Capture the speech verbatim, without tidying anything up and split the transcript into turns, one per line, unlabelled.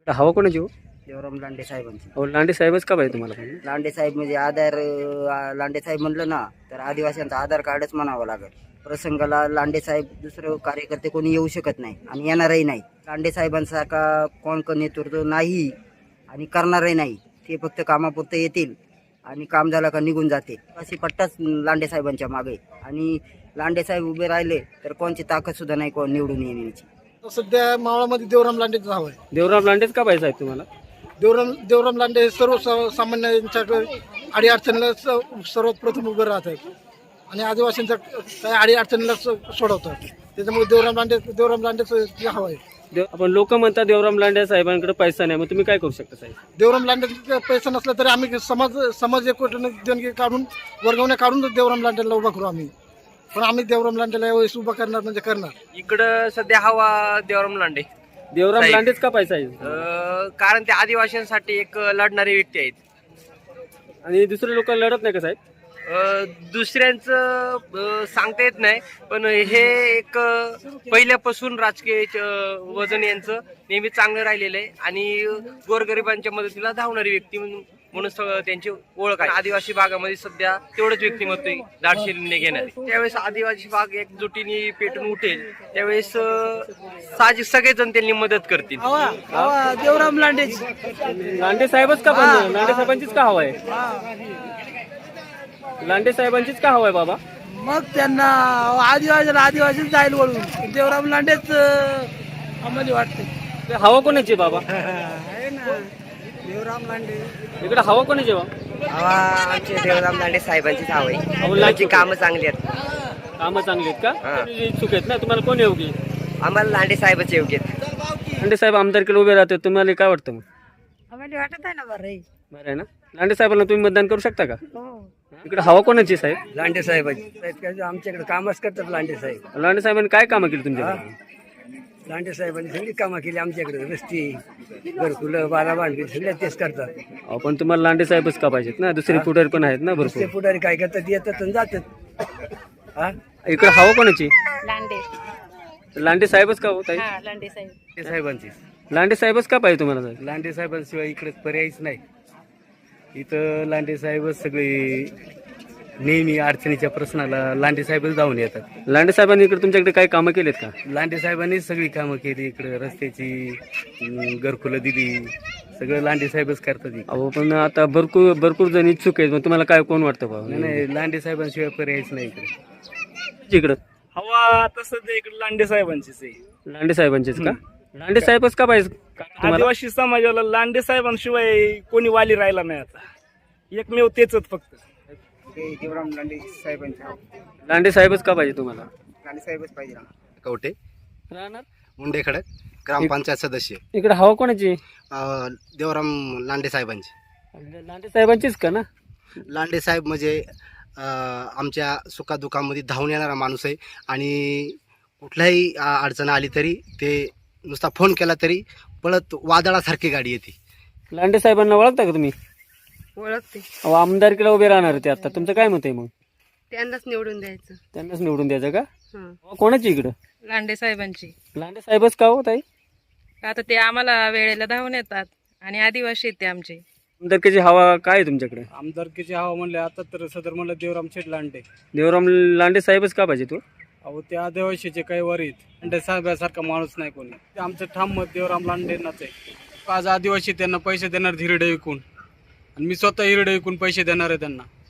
हवा कोणाची हो?
देवराम लांडे साहेबांची.
अहो लांडे साहेबच का पाहिजे तुम्हाला पण?
लांडे साहेब म्हणजे आधार अं, लांडे साहेब म्हणलं ना तर आदिवासींचा आधार कार्डच म्हणावं लागेल. प्रसंगाला लांडे साहेब दुसरं कार्यकर्ते कोणी येऊ शकत नाही आणि येणारही नाही. लांडे साहेबांसारखा कोण कोण नेतृत्व नाही आणि करणारही नाही. ते फक्त कामापुरते येतील आणि काम झालं का निघून जाते. अशी पट्टाच लांडे साहेबांच्या मागे आणि लांडे साहेब उभे राहिले तर कोणची ताकद सुद्धा नाही कोण निवडून येण्याची.
सध्या मावळामध्ये देवराम लांडेच नाव आहे.
देवराम लांडेच का पाहिजे साहेब तुम्हाला?
देवराम देवराम लांडे हे सर्व स- सामान्यांच्या अडी अडचणीला स- सर्वात प्रथम उभे राहत आहेत आणि आदिवासींच्या काही अडी अडचणीला स- सोडवतात. त्याच्यामुळे देवराम लांडे देवराम लांडेच हवं आहे.
देव आपण लोक म्हणतात देवराम लांडे साहेबांकडे पैसा नाही, मग तुम्ही काय करू शकता साहेब?
देवराम लांडे पैसा नसला तरी आम्ही समाज समाज एकवटून देणगी काढून वर्गवण्या काढून देवराम लांडेला उभा करू आम्ही. पण आम्ही देवराम लांडेला यावेळेस उभा करणार म्हणजे करणार.
इकडं सध्या हवा देवराम लांडे.
देवराम
साहेब.
लांडेच का पाहिजे साहेब?
अं, कारण ते आदिवासींसाठी एक लढणारे व्यक्ती आहेत.
आणि दुसरे लोक लढत नाही का साहेब?
अं, दुसऱ्यांचं अं, सांगता येत नाही, पण हे एक अं, पहिल्यापासून राजकीय अं, वजन यांचं नेहमी चांगलं राहिलेलं आहे आणि गोरगरिबांच्या मदतीला धावणारी व्यक्ती म्हणून म्हणून सगळं त्यांची ओळख आहे. आदिवासी भागामध्ये सध्या तेवढंच व्यक्तिमत्व आहे दाडशिलीने घेणारे. त्यावेळेस आदिवासी भाग एकजुटीने पेटून उठेल त्यावेळेस अं, साहजिक सगळेजण त्यांनी मदत करतील.
देवराम लांडे
लांडे साहेबच का पाहिजे? लांडे साहेबांचीच का हवा आहे? लांडे साहेबांचीच का हवा आहे बाबा?
मग त्यांना आदिवासी आदिवासी जाईल वळून देवराम लांडेच आम्हाला वाटते.
ते हवा कोणाची बाबा?
देवराम लांडे
इकडे हवा कोणाची बाबा?
हवा आमचे देवराम लांडे साहेबांचीच हवा आहे.
अहो,
त्यांची कामं चांगली आहेत.
कामं चांगली आहेत का? तुम्ही इच्छुक आहेत ना? तुम्हाला कोण योग्य आहे?
आम्हाला लांडे साहेबच योग्य आहेत.
लांडे साहेब आमदारकीला उभे राहतात, तुम्हाला काय वाटतं मग?
आम्हाला वाटत आहे ना बरं आहे.
बरं आहे ना? लांडे साहेबांना तुम्ही मतदान करू शकता का? इकडे हवा कोणाची साहेब?
लांडे साहेबांची. आमच्याकडे कामच करतात लांडे साहेब.
लांडे साहेबांनी काय कामं केली तुमच्याकडे?
लांडे साहेबांनी सगळी कामं केली आमच्याकडे. रस्ती घरकुलं बारा बांधली सगळ्या तेच करतात.
अहो, पण तुम्हाला लांडे साहेबच का पाहिजेत ना? दुसरे पुढारी पण आहेत ना
ते
भरपूर.
पुढारी काय करतात येतात आणि जातात. हा
इकडे हवा कोणाची?
लांडे.
लांडे साहेबच का होत आहे?
हा लांडे साहेब.
साहेबांची
लांडे साहेबच का पाहिजे तुम्हाला साहेब?
लांडे साहेबांशिवाय इकडे पर्यायच नाही. इथं लांडे साहेबच सगळे नेहमी अडचणीच्या प्रश्नाला लांडे साहेबच धावून येतात.
लांडे साहेबांनी इकडे तुमच्याकडे काय कामं केलेत का?
लांडे साहेबांनी सगळी कामं केली. इकडे रस्त्याची अं, घरकुलं दिली. सगळं लांडे साहेबच करतात इकडे.
अहो पण आता भरपूर भरपूर जण इच्छुक आहेत, मग तुम्हाला काय कोण वाटतं
नाही
बाबा?
नाही, लांडे साहेबांशिवाय पर्यायच नाही इकडे.
इकडं
हवा आता सध्या इकडे लांडे साहेबांचीच आहे.
लांडे साहेबांचेच का? लांडे साहेबच का पाहिजे का तुम्हाला?
आदिवासी समाजाला लांडे साहेबांशिवाय कोणी वाली राहिला नाही. आता एकमेव तेच फक्त.
देवराम लांडे साहेबांची.
लांडे साहेबच का पाहिजे तुम्हाला?
लांडे साहेबच पाहिजे.
कवटे
राहणार
मुंडे खडक ग्रामपंचायत सदस्य.
इकडे हवा कोणाची?
अं, देवराम लांडे साहेबांचे.
लांडे साहेबांचीच का ना?
लांडे साहेब म्हणजे अं, आमच्या सुखादुखामध्ये धावून येणारा माणूस आहे आणि कुठल्याही अं, अडचण आली तरी ते नुसता फोन केला तरी पळत वादळासारखी गाडी येते.
लांडे साहेबांना ओळखता का तुम्ही?
ओळखते.
अहो आमदारकीला उभे राहणार ते आता, तुमचं काय मत आहे मग?
त्यांनाच निवडून द्यायचं.
त्यांनाच निवडून द्यायचं का?
हं.
हवा कोणाची इकडं?
लांडे साहेबांची.
लांडे साहेबच का हो ताई?
आता ते आम्हाला वेळेला धावून येतात आणि आदिवासी आहेत ते आमचे.
आमदारकीची हवा काय आहे तुमच्याकडे?
आमदारकीची हवा म्हणले आता तर सदर म्हणलं देवराम शेठ लांडे.
देवराम लांडे साहेबच का पाहिजे तू?
अहो ते आदिवासीचे काही वरीत लांडे साहेबासारखा माणूस नाही कोणी. ते आमचं ठाम मत देवराम लांडेंनाच आहे. आज आदिवासी त्यांना पैसे देणार हिरडे विकून आणि मी स्वतः हिरडे विकून पैसे देणार आहे त्यांना.